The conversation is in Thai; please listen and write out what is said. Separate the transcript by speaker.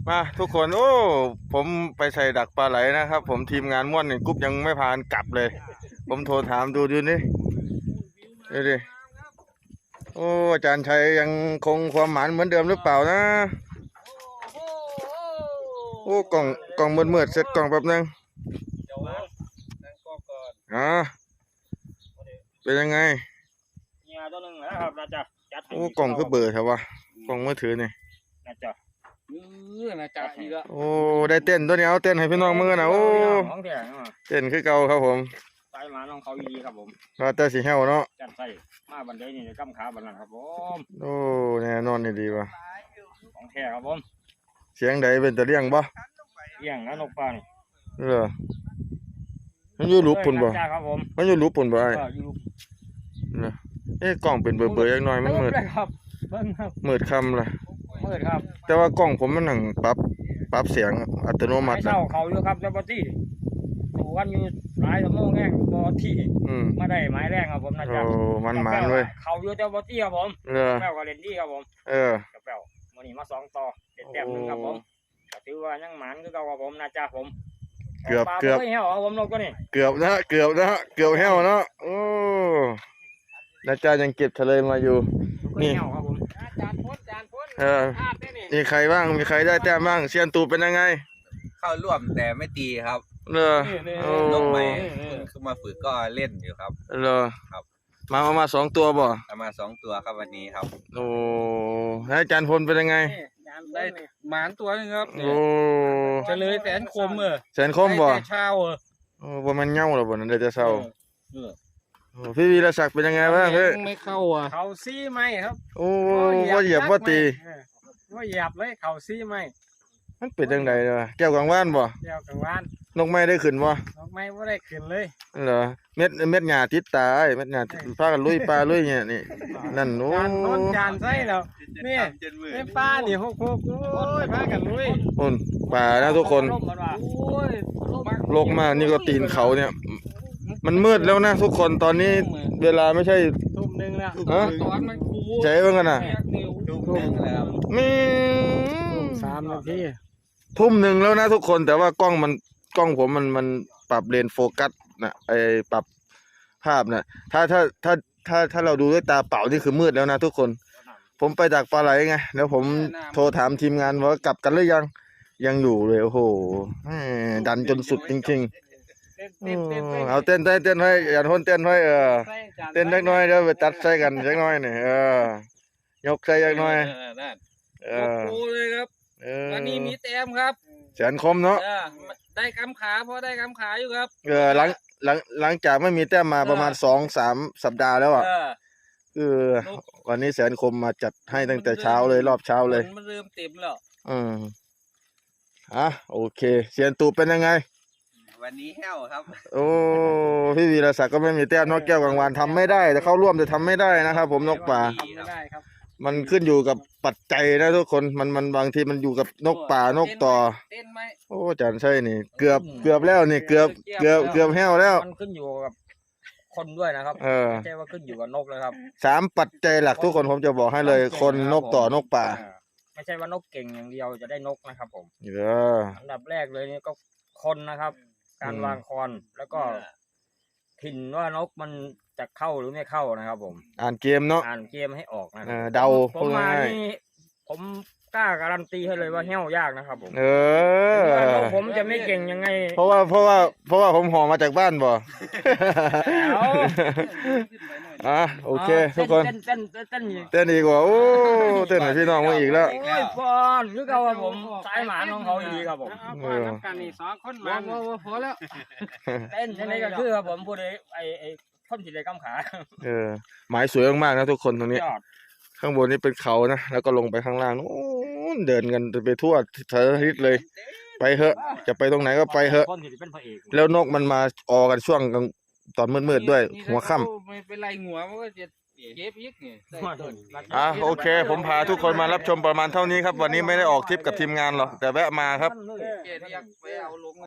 Speaker 1: มาทุกคนโอ้ผมไปใส่ดักปลาไหลนะครับผมทีมงานม่วนนี่กุ๊บยังไม่พานกลับเลย ผมโทรถามดูนี่ดูดิโอ้อาจารย์ชัยยังคงความหมานเหมือนเดิมหรือเปล่านะโอ้กล่องมืดเสร็จกล่องแป๊บนึงเป็นยังไงโอ้กล่องคือเบอร์ใช่ปะกล่องมือถือนี่โอ้ได้เต้นตัวนี้เอาเต้นให้พี่น้องมือนะโอ้เต้นคือเก่าครับผม
Speaker 2: ใส่มาน้องเขาดีครับผม
Speaker 1: ว่าแต่สีเหี่ยวเนาะ
Speaker 2: จัดใส่มาบันไดนี่กำขาบันนั้นครับผม
Speaker 1: โอ้แน่นอนนี่ดีว่ะ
Speaker 2: ของแท้ครับผม
Speaker 1: เสียงใดเป็นตะเลี่ยงบ่
Speaker 2: เลี่ยงแล้วนกปลานี่
Speaker 1: มันอยู่รูปปุ่นบ่มันอยู่รูปปุ่นบ่ไอ้กล่องเป็นเบอร์ยังน้อยมันมืดมืดคำล่ะ
Speaker 2: มืดครับ
Speaker 1: แต่ว่ากล่องผมมันหนังปรับเสียงอัตโนมัติ
Speaker 2: นะเขาอยู่ครับเจ้าปตี้ดูวันอยู่หลายชั่วโมงแง่บอที่มาได้ไม้แรงครับผมนะจ๊ะ
Speaker 1: มันเว้ย
Speaker 2: เขาอยู่เจ้าปตี้ครับผมแป้วกับเลนดี้ครับผมกับแป้ววันนี้มา2ต่อเต็มนึงครับผมถือว่ายังหมันคือเก่าครับผมนะจ๊ะผม
Speaker 1: เกือบ
Speaker 2: เหี้ยวผมนกก็นี่
Speaker 1: เกือบนะเกือบเหี้ยวเนาะโอ้นะจ๊ะยังเก็บทะเลมาอยู่นี่นี่ใครบ้างมีใครได้แต้มบ้างเซียนตูเป็นยังไง
Speaker 3: เข้าร่วมแต่ไม่ตีครับนกใหม่คือมาฝึกก็เล่นอยู่ครับ
Speaker 1: ครับมา2 ตัวบ่
Speaker 3: มา2 ตัวครับวันนี้ครับ
Speaker 1: โอ้อาจารย์พลเป็นยังไง
Speaker 3: ได้หมานตัวนึงครับ
Speaker 1: โอ้
Speaker 3: จะเลยแสนคม
Speaker 1: แสนคมบ่
Speaker 3: เช้า
Speaker 1: บ่มันเงาหรอบ่นั่นเดี๋ยวจะเศร้าพี่วีรศักดิ์เป็นยังไงบ้างพี่
Speaker 3: ไม่เข้า
Speaker 2: เขาซี่ไหมครับ
Speaker 1: โอ้ว่าเหยียบว่าตี
Speaker 2: ว่าเหยียบเลยเขาซี่ไหม
Speaker 1: มันเป็นยังไงล่ะแก้วกังวานบ่
Speaker 2: แก้วกังวาน
Speaker 1: นกไม้ได้ขึ้นบ่
Speaker 2: นกไม้บ่ได้ขึ้นเลย
Speaker 1: เหรอเม็ดหญ้าติดตาเม็ดหญ้าพากันลุยปลาลุยเนี่ยนี่นั่นโอ้
Speaker 2: จานใส่แล้วนี่เป็นปลานี่6โอ้ยพากันลุย
Speaker 1: คนป่านะทุกคนโลกมากนี่ก็ตีนเขาเนี่ยมันมืดแล้วนะทุกคนตอนนี้เวลาไม่ใช่
Speaker 2: ทุ่มนึงแล้ว
Speaker 1: ใจว่ากันนะมี
Speaker 2: 3 นาที
Speaker 1: ทุ่มหนึ่งแล้วนะทุกคนแต่ว่ากล้องผมมันปรับเลนโฟกัสนะปรับภาพนะถ้าเราดูด้วยตาเปล่านี่คือมืดแล้วนะทุกคนผมไปดักปลาไหลไงแล้วผมโทรถามทีมงานว่ากลับกันหรือยังอยู่เลยโอ้โหดันจนสุดจริงๆเอาเต้นไว้อย่าทนเต้นไว้เต้นเล็กน้อยเดี๋ยวไปตัดใส่กันเล็กน้อยนี่ยกใส่เล็กน้อย
Speaker 3: โอ้เลยครับวันนี้มีแต้มครับ
Speaker 1: แสนคมเนาะ
Speaker 3: ได้กำขาพอได้กำขาอยู่ครับ
Speaker 1: หลังจากไม่มีแต้มมาประมาณ2-3 สัปดาห์แล้วอ่ะคือวันนี้แสนคมมาจัดให้ตั้งแต่เช้าเลยรอบเช้าเลย
Speaker 3: มันเริ่มเต็มแล้ว
Speaker 1: โอเคเซียนตูเป็นยังไง
Speaker 3: วันนี้แห้วครับ
Speaker 1: โอ้พี่วีรศักดิ์ก็ไม่มีแต้มนกแก้วกังวานทำไม่ได้แต่เข้าร่วมแต่ทำไม่ได้นะครับผมนกป่ามันขึ้นอยู่กับปัจจัยนะทุกคนมันบางทีมันอยู่กับนกป่านกต่อโอ้จันใช่นี่เกือบแล้วนี่เกือบแห้วแล้ว
Speaker 2: มันขึ้นอยู่กับคนด้วยนะครับไม่ใช่ว่าขึ้นอยู่กับนกเลยครับ
Speaker 1: 3 ปัจจัยหลักทุกคนผมจะบอกให้เลยคนนกต่อนกป่า
Speaker 2: ไม่ใช่ว่านกเก่งอย่างเดียวจะได้นกนะครับผมอันดับแรกเลยนี่ก็คนนะครับการวางคอนแล้วก็ถิ่นว่านกมันจะเข้าหรือไม่เข้านะครับผม
Speaker 1: อ่านเกมเนาะ
Speaker 2: อ่านเกมให้ออกนะ
Speaker 1: เดา
Speaker 2: ผมมานี่ผมกล้าการันตีให้เลยว่าเหี้ยวยากนะครับผมผมจะไม่เก่งยังไง
Speaker 1: เพราะว่าผมห่อมาจากบ้านบ่โอเคทุกคนเต้นอีกว่าโอ้เต้นให้พี่น้องมาอีกแล้ว
Speaker 2: ฟอนคือเขาว่าผมสายหมาน้องเขาอีกครับผม
Speaker 3: กันนี่2 คนมาพอแล้ว
Speaker 2: เต้นยังไงก็คือครับผมพูดไอ้คนที่ได้กำขา
Speaker 1: หมายสวยมากๆนะทุกคนตรงนี้ข้างบนนี้เป็นเขานะแล้วก็ลงไปข้างล่างนู้นเดินกันไปทั่วสารทิศเลยไปเถอะจะไปตรงไหนก็ไปเถอะแล้วนกมันมาออกันช่วงตอนมืดๆด้วยหัวค่ำ
Speaker 3: ไม่เป็นไรหัวมันก็จะเก็บอีกนี่
Speaker 1: โอเคผมพาทุกคนมารับชมประมาณเท่านี้ครับวันนี้ไม่ได้ออกทริปกับทีมงานหรอกแต่แวะมาครับ